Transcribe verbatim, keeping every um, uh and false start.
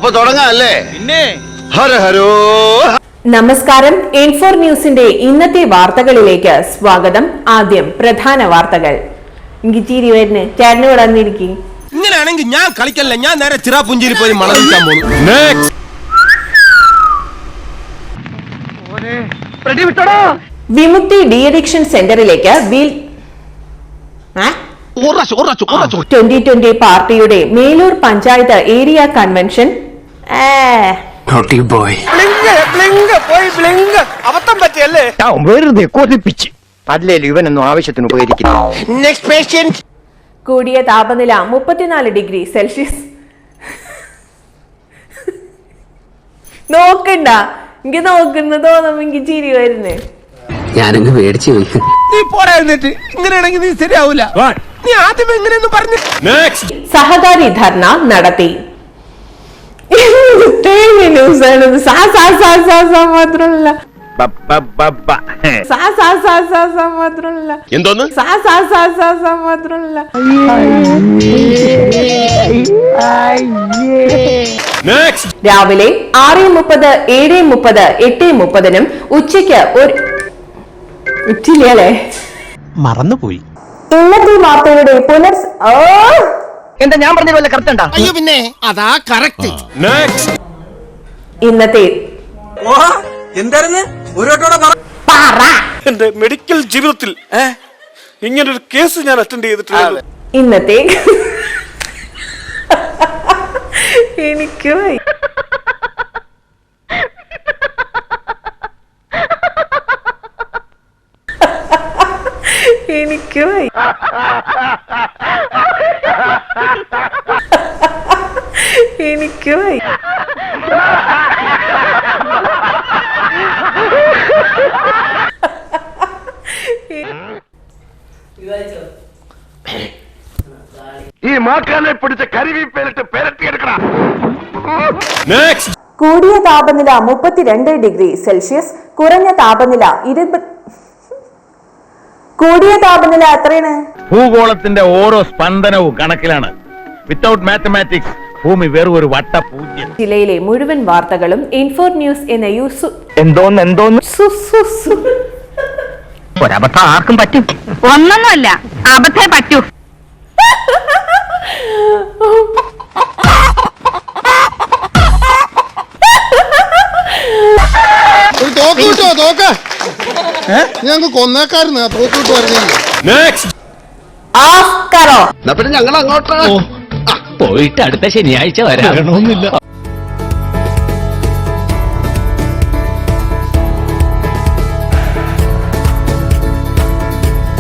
അപ്പൊ തുടങ്ങാല്ലേ? പിന്നെ ഹര ഹരോ. നമസ്കാരം. ഇൻഫോർ ന്യൂസിന്റെ ഇന്നത്തെ വാർത്തകളിലേക്ക് സ്വാഗതം. ആദ്യം പ്രധാന വാർത്തകൾ. ചിരി വരുന്നു ചേട്ടന് വിടന്നിരിക്കും. ഇങ്ങനെയാണെങ്കിൽ ഞാൻ കളിക്കല്ല, ഞാൻ നേരെ ചിറാപുഞ്ചിരി പോയി മണലിക്കാൻ പോകുന്നു. വിമുക്തി ഡി അഡിക്ഷൻ സെന്ററിലേക്ക് വീൽ ട്വന്റി ട്വന്റി പാർട്ടിയുടെ മേലൂർ പഞ്ചായത്ത് ഏരിയ കൺവെൻഷൻ. ഇവനൊന്നും ആവശ്യത്തിന് ഉപകരിക്കുന്നു. കൂടിയ താപനില മുപ്പത്തിനാല് ഡിഗ്രി സെൽഷ്യസ്. നോക്കണ്ട, എനിക്ക് നോക്കുന്ന തോന്നുമ്പോ എനിക്ക് ചിരി വരുന്നേ. ഞാനങ്ങ് പേടിച്ചു പോയി. നീ പോടാ എന്നിട്ട്. ഇങ്ങനെയാണെങ്കിൽ നീ ശരിയാവൂല. നീ ആദ്യം എങ്ങനെയൊന്നും പറഞ്ഞു. സഹകാരി ധർണ നടത്തി. മാത്രമല്ല എന്തോന്ന് മാത്രമല്ല രാവിലെ ആറ് മുപ്പത് ഏഴ് മുപ്പത് എട്ട് മുപ്പതിനും ഉച്ചയ്ക്ക് ഒരു ഉച്ചില്ലേ മറന്നുപോയി. ഇന്നത്തെ വാർത്തയുടെ പുനർ എന്താ ഞാൻ പറഞ്ഞ കറക്റ്റ്. അയ്യോ പിന്നെ അതാ കറക്റ്റ്. ഇന്നത്തെ എന്തായിരുന്നു എന്റെ മെഡിക്കൽ ജീവിതത്തിൽ ഇങ്ങനൊരു കേസ് ഞാൻ അറ്റൻഡ് ചെയ്തിട്ടില്ല. ഇന്നത്തെ എനിക്ക് എനിക്ക് എനിക്ക് ഈ മാക്കാനെ പിടിച്ച കരിവീപ്പേലിട്ട് പെരട്ടിയെടുക്കണം. കൂടിയ താപനില മുപ്പത്തിരണ്ട് ഡിഗ്രി സെൽഷ്യസ്, കുറഞ്ഞ താപനില ഇരുപത്. കൂടിയ താപനില എത്രയാണ്? ഭൂഗോളത്തിന്റെ ഓരോ സ്പന്ദനവും കണക്കിലാണ്. വിത്തൗട്ട് മാത്തമാറ്റിക്സ് ഭൂമി വെറും ഒരു വട്ട പൂജ്യം. ജില്ലയിലെ മുഴുവൻ വാർത്തകളും ഇൻഫോർ ന്യൂസ് എന്ന യൂസ് എന്തോന്ന് എന്തോന്ന് ഒരബദ്ധം ആർക്കും പറ്റും. ഒന്നൊന്നുമല്ല, അബദ്ധേ പറ്റൂ. തോക്ക് കിട്ടോ? തോക്ക് ഞങ്ങൾക്ക് കൊന്നേക്കാരുന്ന തോക്ക് കിട്ടു പറഞ്ഞു. പിന്നെ ഞങ്ങൾ അങ്ങോട്ട് പോയിട്ട് അടുത്ത ശനിയാഴ്ച വരാം.